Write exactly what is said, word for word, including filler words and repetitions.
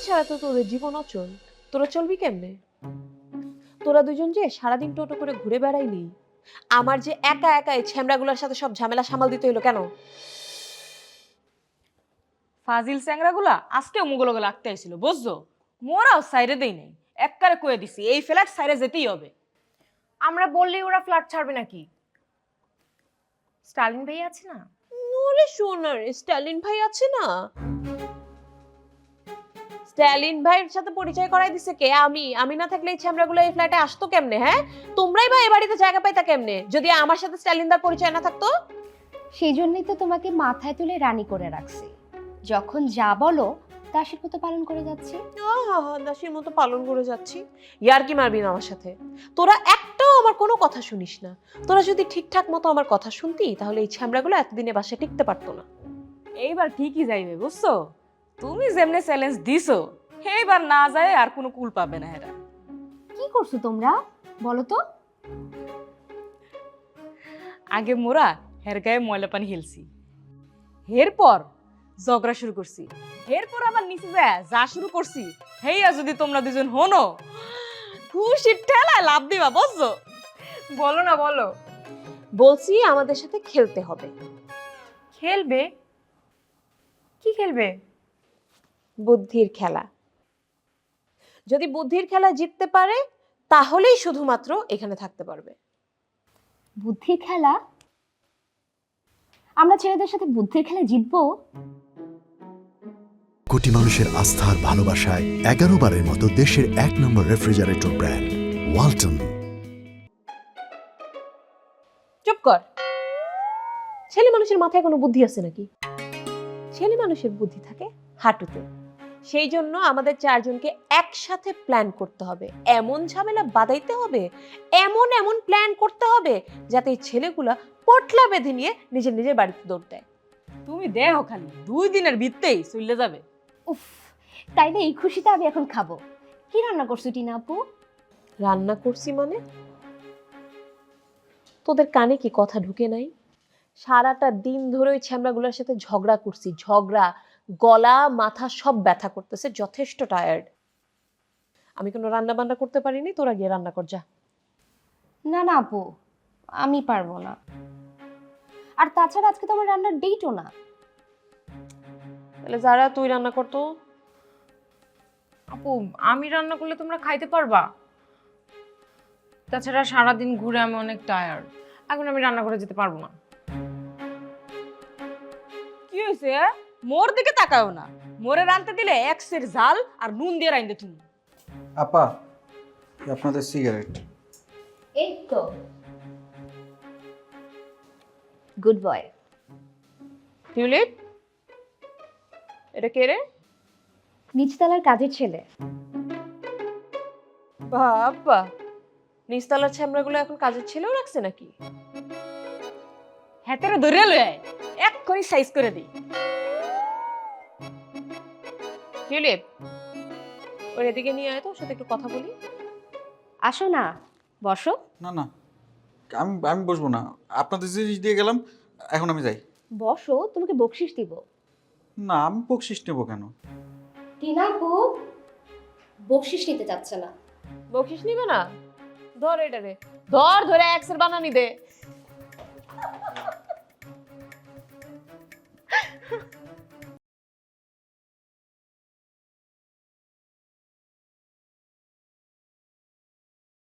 ছাড়া তো তোদের জীবন অচল। তোরা চলবি কেমনে? তোরা দুজন যে সারাদিন টোটো করে ঘুরে বেড়াইলি, আমার যে একা একা এই ছ্যামড়াগুলোর সাথে সব ঝামেলা সামাল দিতে হইলো কেন? ফাজিল স্যাংরাগুলা আজকেও মুগলগে লাগতে আইছিল বুঝছো? মোরাও সাইরে দেই নাই, এককারে কয়ে দিছি এই ফ্ল্যাট সাইরে যেতেই হবে। আমরা বললেই ওরা ফ্ল্যাট ছাড়বে নাকি? স্টালিন ভাই আছে না? ওরে সোনার, স্ট্যালিন ভাই আছে না? স্ট্যালিন ভাইয়ের সাথে পরিচয় করাই দিছে কে? আমি আমি না থাকলে এই ছ্যামড়াগুলো এই ফ্ল্যাটে আসতো কেমনে? হ্যাঁ, তোমরাই বা এই বাড়িতে জায়গা পাইতা কেমনে যদি আমার সাথে স্ট্যালিনদার পরিচয় না থাকতো? সেই জন্যই তো তোমাকে মাথায় তুলে রানী করে রাখছি। যখন যা বলো দাসীর মতো পালন করে যাচ্ছি। আহা, দাসীর মতো পালন করে যাচ্ছি। ইয়ার কি মারবি না আমার সাথে? তোরা একটাও আমার কোনো কথা শুনিস না। তোরা যদি ঠিকঠাক মতো আমার কথা শুনতি তাহলে এই ছ্যামড়াগুলো এতদিনে বাসায় টিকতে পারতো না। এইবার ঠিকই যাইবে বুঝছো? তুমি যেমনে চ্যালেঞ্জ দিছো এইবার না যায় আর কোনো কুল পাবে না এরা। কি করছো তোমরা বলো তো? আগে মোরা হের গায়ে ময়লা পানি হেলছি, এরপর ঝগড়া শুরু করছি, এরপর আবার নিচে যায় যা শুরু করছি হেইয়া যদি তোমরা দুজন হনো খুশির ঠেলায় লাভ দিবা বুঝছো? বলো না বলো। বলছি আমাদের সাথে খেলতে হবে। খেলবে? কি খেলবে? বুদ্ধির খেলা। যদি বুদ্ধির খেলা জিততে পারে তাহলেই শুধুমাত্র এখানে থাকতে পারবে। বুদ্ধির খেলা? আমরা ছেলেদের সাথে বুদ্ধির খেলা জিতবো? কোটি মানুষের আস্থার ভালোবাসায় এগারো বারের মতো দেশের এক নম্বর রেফ্রিজারেটর ব্র্যান্ড ওয়ালটন। চুপ কর। ছেলে মানুষের মাথায় কোনো বুদ্ধি আছে নাকি? ছেলে মানুষের বুদ্ধি থাকে হাঁটুতে। সেই জন্য আমাদের চারজনকে একসাথে প্ল্যান করতে হবে, এমন ঝামেলা বাঁধাইতে হবে, এমন এমন প্ল্যান করতে হবে যাতে এই ছেলেগুলা পটলা বেঁধে নিয়ে নিজের নিজের বাড়িতে দৌড় দেয়। তুমি দেহ খালি দুই দিনের ভিত্তেই চলে যাবে। উফ, তাইলে এই খুশিতে আমি এখন খাবো। কি রান্না করছো টিনা আপু? রান্না করছি মানে? তোদের কানে কি কথা ঢুকে নাই? সারাটা দিন ধরে ওই ছ্যামড়াগুলোর সাথে ঝগড়া করছি, ঝগড়া, গলা মাথা সব ব্যথা করতেছে, যথেষ্ট টায়ার্ড। আমি কোনো রান্না বান্না করতে পারিনি, তোরা গিয়ে রান্না কর যা। না না আপু, আমি পারবো না। আর তাছাড়া আজকে তো আমার রান্নার ডেটও না। তাহলে যারা তুই রান্না করতো। আপু আমি রান্না করলে তোমরা খাইতে পারবা? তাছাড়া সারাদিন ঘুরে আমি অনেক টায়ার্ড, এখন আমি রান্না করে যেতে পারবো না। কি হয়েছে? মোর দিকে তাকাও না, মোরে রানতে দিলে এক্সের ঝাল আর নুন দিয়ে রাইন্দে তুমি। আপা, আপনাদের সিগারেট। এই তো গুড বয়। টিউলিপ, এটা কে রে? নিচতলার কাজের ছেলে। বাবা, নিচতলার ছ্যামড়াগুলো এখন কাজের ছেলেও রাখছে নাকি? হাতেরে ধরে লয়ে আয়, এক্ষুনি সাইজ করে দিই। টিউলিপ, ওর এদিকে নিয়ে আয় তো, ওর সাথে একটু কথা বলি। আসো না, বসো। না না, আমি আমি বসবো না। আপনাদের জিনিস দিয়ে গেলাম, এখন আমি যাই। বসো, তোমাকে বকশিস দিব। না, আমি বকশিস নেবো কেন? টিনা আপু বকশিস নিতে চাচ্ছে না। বকিস নিবে না? ধর এটা রে, ধর, ধরে এক্সের বানানি দে।